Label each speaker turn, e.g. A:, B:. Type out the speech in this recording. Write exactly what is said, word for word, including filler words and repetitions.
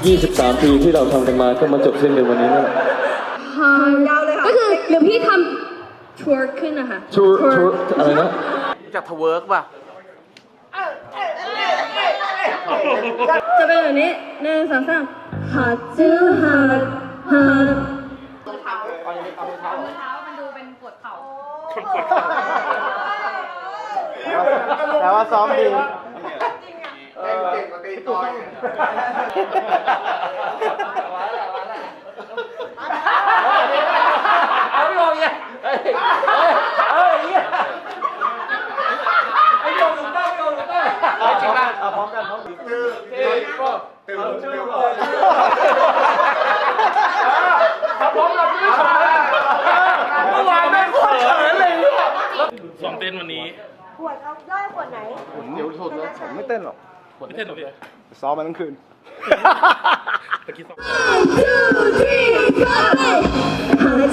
A: ยี่สิบสาม ปีที่เราทำกันมาก็มาจบสิ้นในวันนี้นั่นแหละ
B: ยาวเลยค่ะก็คือเดี๋ยวพี่ทำทัวร์ขึ้นนะคะ
A: ชูชูอะไรนะ
C: จากทเวิร์กป่ะ
B: จะเป็นแบบนี้หนึ่งสองสามหาจื้อหาหา
C: แต่ว่าซ้อมดี
D: เก่งเก่งกว่าตีกอย
C: เอาไม่ลงเนี่ยเฮ้ยเฮ้ยเฮ้ยไอ้โยงถูกต้องโยงถูกต้องเอาจริงป่ะเอาพร้อมกันพร้อมกันตื่นตื่นก็ตื่นตื่นเอาพร้อมกันพี่ชายเมื่อวานไม่โคตรเขินเลยเนี่ยซ้อมเต้นวันนี้
E: ขวดเอาได้ขวดไหน
D: ผมเดี๋ยวสุดแล้วผมไม่เต้นหรอก
C: ไม่เต้นหรอพี่
D: ซ้อมมาทั้งคืน
C: ตะกี้ซ้อม
B: two three four